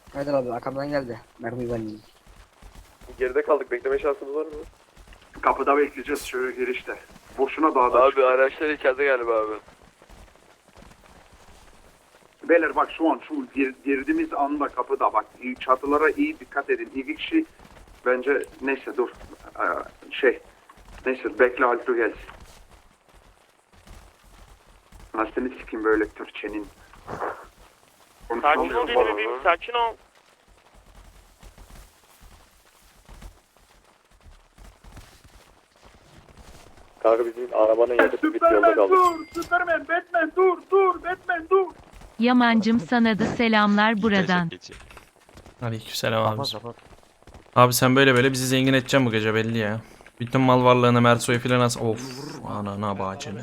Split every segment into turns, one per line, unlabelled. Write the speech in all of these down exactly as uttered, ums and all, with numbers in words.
Haydar abi arkamdan geldi. Mermi ben.
Geride kaldık. Bekleme şansımız var mı?
Kapıda bekleyeceğiz şöyle girişte. Boşuna dağda
Abi
çıktık.
araçlar içeride galiba abi.
Beyler bak şu an şu gir, girdiğimiz anda kapıda bak çatılara iyi dikkat edin. İki kişi bence neyse dur Ee, şey neyse bekle Altu gelsin. Nasılsını sikeyim böyle Türkçenin.
Sakin ol benim bebeğim, sakin ol.
Kanka bizim arabanın yakıtı bitti, yolda kaldık.
dur Süpermen Batman dur dur Batman dur.
Yamancım sana da selamlar buradan.
Aleykümselam abi. Abi sen böyle böyle bizi zengin edeceksin bu gece belli ya. Bütün mal varlığını Merso'yu filan as. Of anana bacını.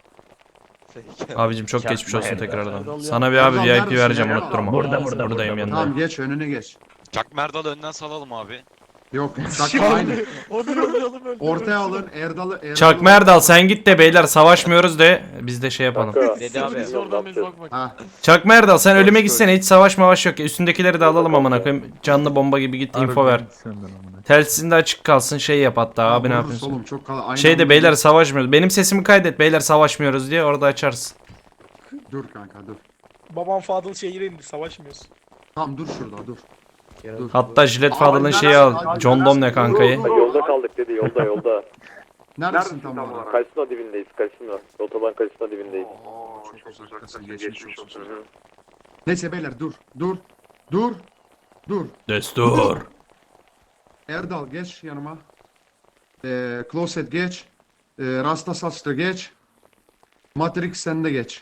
Abicim çok geçmiş olsun tekrardan. Sana bir abi V I P vereceğim unutturma.
Burada, burada,
Buradayım
burada.
yanında.
Tamam geç önüne geç.
Çak Merdal'ı önden salalım abi.
Yok sakın aynı. Ortaya alın Erdal'ı Erdal'ı.
Çak Merdal sen git de beyler savaşmıyoruz de biz de şey yapalım.
Dedi abi.
Ha.
Çak Merdal sen ölüme gitsene hiç savaş mavaş yok ya. Üstündekileri de alalım amına koyayım. Canlı bomba gibi git info ver. Telsizin de açık kalsın şey yap hatta abi ne
Vururuz
yapıyorsun?
Oğlum, çok kal- aynı
Şey de
anda-
beyler savaşmıyoruz. Benim sesimi kaydet beyler savaşmıyoruz diye orada açarsın.
Dur kanka dur.
Babam Fadıl şehire indi, savaşmıyoruz.
Tamam dur şurada dur. Dur.
Hatta Jilet Fadıl'ın şeyi al. John Domne kankayı.
Yolda kaldık dedi, yolda yolda.
Neredesin tam olarak?
Karşısına dibindeyiz, karşısına. Otoban karşısına dibindeyiz.
Oo, çok uzaktasın geçmiş olsun. Neyse beyler dur dur dur dur.
Destur.
Erdal geç yanıma. Ee, Closet geç. Ee, Rasta Saçlı geç. Matrix sen de geç.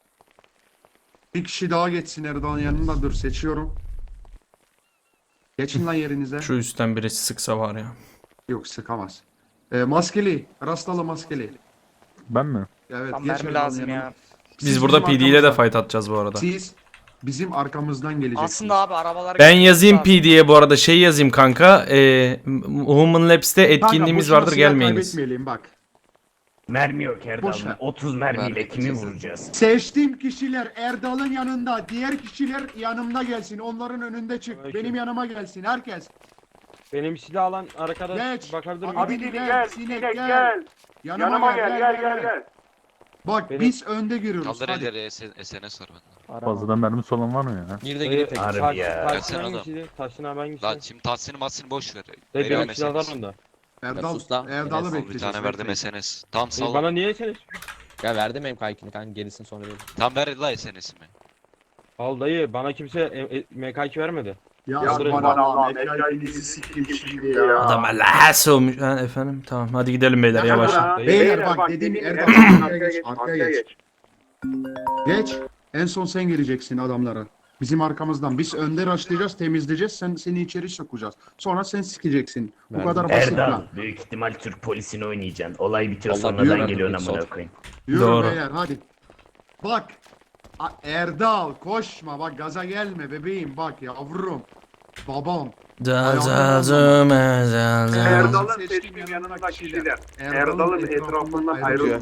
Bir kişi daha geçsin Erdal'ın yanında dur seçiyorum. Geçin lan yerinize.
Şu üstten birisi sıksa var ya.
Yok sıkamaz. Ee, maskeli. Rastalı maskeli.
Ben mi?
Evet
Tam
geç
mermi
Erdal'ın
lazım
yanına.
ya.
Siz
Biz burada
bizim
P D ile de
arkamızdan-
fight atacağız bu arada.
Siz bizim arkamızdan geleceksiniz.
Aslında abi arabalar...
Ben yazayım P D'ye bu arada şey yazayım kanka. Ee, Human Labs'te etkinliğimiz
boşuna
vardır
silah
gelmeyiniz.
kaybetmeyelim bak.
Mermi yok
Boş
Erdal.
ver.
otuz mermiyle kimi vuracağız?
Seçtiğim kişiler Erdal'ın yanında, diğer kişiler yanımda gelsin. Onların önünde çık.
Peki.
Benim yanıma gelsin herkes.
Benim silah alan arkadaş
Geç.
bakabilir miyim?
Abi gel, gel, sinek gel. Yanıma, gel, gel, gel, gel. Bak
Benim-
biz önde giriyoruz.
Kaldır
Hadi.
elleri S N S var bende.
Fazladan mermisi olan var mı ya?
Bir de gidip tek.
Harbi ya.
Gelsene
Taşın
adam.
hangisiydi? Taşın abi hangisi?
Lan şimdi Tahsin'i Mahsin'i boş ver.
Ve
Veriyorum
benim silahlar
S N S.
onda.
Erdal,
sus lan.
Erdal'ı
Enes,
Bir
bekleyeceğiz.
tane verdim
bekleyin.
S N S. Tamam
E,
sal.
bana niye sen?
Ya verdim benim kaykını kanka gerisini sonra veririm.
Tam ver la S N S'imi.
Al dayı bana kimse e, e, M K iki vermedi.
Ya
Yaldırın.
aman Allah'ım, hikayenizi sikeyim şimdi ya.
Adam Allah'a olmuş. Ha, efendim tamam hadi gidelim beyler yavaş.
Beyler bak dediğim Erdal arkaya geç, arkaya geç. Geç. En son sen gireceksin adamlara. Bizim arkamızdan. Biz önde raşlayacağız, temizleyeceğiz. Sen seni içeri sokacağız. Sonra sen sikeceksin. Bu kadar basit
Erdal
lan.
büyük ihtimal Türk polisini oynayacaksın. Olay bitiyor
Allah
sonradan
yürü.
geliyorsun amına koyayım.
Yürü
Doğru.
beyler hadi. Bak. A- Erdal koşma bak gaza gelme bebeğim bak yavrum. Babam.
Dazazım ezazım.
Erdal'ın seçtiğim yanındaki kişiler. Erdal'ın etrafından ayrılmayın.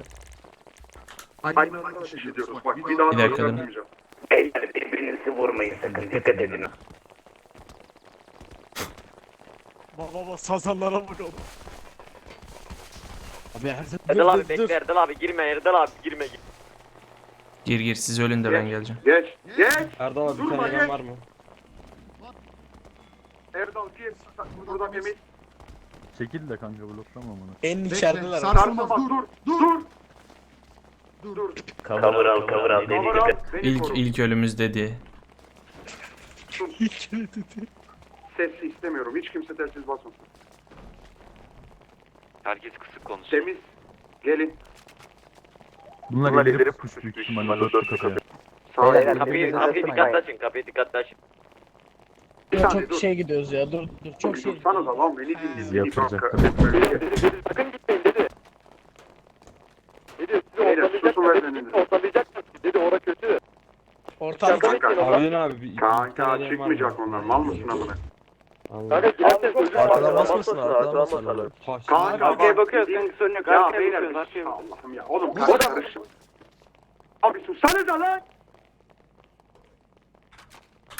Aynı anda şişiriyoruz. Bak bir daha
Bir dakika,
da
dur.
yapmayacağım.
Beyler birbirinizi vurmayın sakın dikkat edin.
Baba baba sazanlara bakalım. Abi her
Erdal abi bekle, Erdal abi girme, Erdal abi girme.
Gir gir siz ölün de ben geleceğim.
Geç. Geç.
Erdal abi bir
Durma,
tane
gel.
elen var mı?
Erdal gir. Burada temiz.
Çekil de kanka bloklama bunu.
En
Bekle.
içerideler.
Sarsılmaz. Dur. Dur. Dur. Dur.
Cover al cover al
Cover
dedi.
al, beni
İlk
koru.
ilk ölümüz dedi.
Sesli istemiyorum. Hiç kimse telsiz basmasın.
Herkes kısık konuşsun.
Temiz. Gelin.
Bunlar ileri push büyük ihtimalle dört kapıya.
Sağ
Beyler,
olun.
Kapıyı, kapıyı dikkatli açın, kapıyı dikkatli açın.
Bir saniye dur.
şey gidiyoruz ya dur dur çok şey.
Dursanız lan beni dinleyin.
Bizi
Beni
yatıracaklar.
bak-
Sakın gitmeyin dedi. Dedi, sizi
Beyler, susun ver beni.
ortalayacaksınız. Dedi, ora kötü.
Ortalık.
Kanka.
Abidin abi. bir- bir
Kanka
tane elen var
çıkmayacak
mı?
onlar. Mal mısın amına?
Allah.
Kanka girerseniz özür dilerim.
Arkadan basmasın, arkadan
basmasın.
basmasın.
Taş-
Kanka
Arkaya
bak,
bakıyoruz,
dediğim-
kanka sorun yok.
Ya
Arkaya
beyler
bakıyoruz, arkaya
Allah'ım ya. Oğlum kanka karışım. Abi sussanıza lan.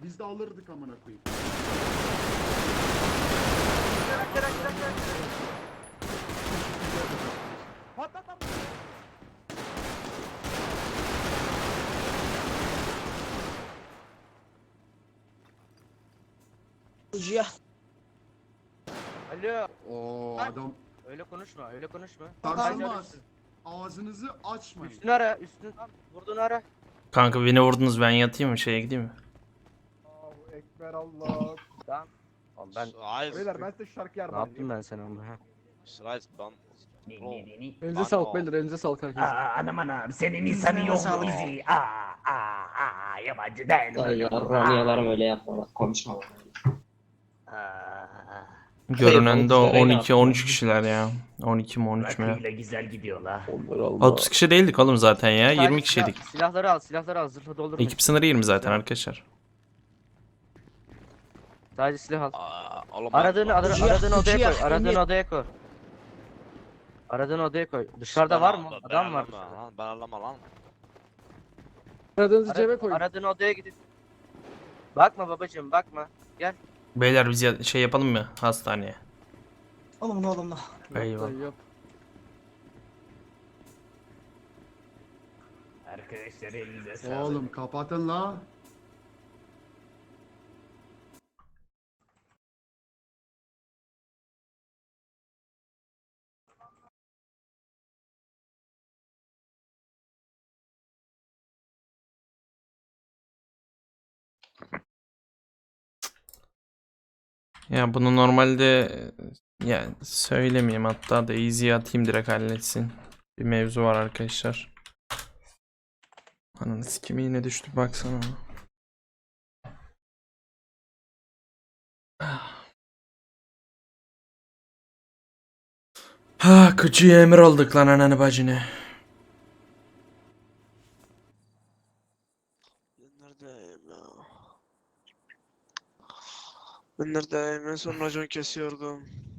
Biz de alırdık amına koyayım.
Alo.
Oo adam
Öyle konuşma, öyle konuşma.
sarsılmaz. Ağzınızı açmayın.
Üstünü ara, üstünü vurduğunu ara.
Kanka beni vurdunuz, ben yatayım mı, şeye gideyim mi?
Allahu Ekber Allah.
Tamam. Oğlum ben
Beyler ben size şarkı
ne
yardım
yaptım ben sana onu ha?
Elinize sağlık beyler, elinize sağlık herkese.
Anam anam senin insanı yok mu bizi? Aa aa aa yabancı değil.
Yarramiyalarım öyle yapma. Konuşma.
Görünende on iki on üç kişiler ya. on iki mi on üç mü?
Rakıyla güzel gidiyorlar.
otuz kişi değildik oğlum zaten ya.
Sadece
yirmi
silah-
kişiydik.
Silahları al, silahları al, zırhı doldurma.
Ekip sınırı yirmi zaten arkadaşlar.
Sadece silah al. Aradığını ara- aradığın odaya koy, aradığın odaya koy. Aradığın odaya koy. Dışarıda var mı? Adam var dışarıda.
Ben anlama lan.
Aradığınızı cebe
Ara-
koyun.
Aradığın odaya gidin. Bakma babacığım, bakma. Gel.
Beyler biz ya- şey yapalım mı hastaneye?
Oğlum oğlum.
Eyvallah.
Yap, yap.
Arkadaşlar elinize sağlık.
Oğlum kapatın la.
Ya bunu normalde ya söylemeyeyim, hatta da easy'ye atayım direkt halletsin. Bir mevzu var arkadaşlar. Ananı sikimi yine düştü baksana. Ha küçüğe emir olduk lan ananı bacını.
Neredeyim ya? Ben neredeyim? En son racon kesiyordum.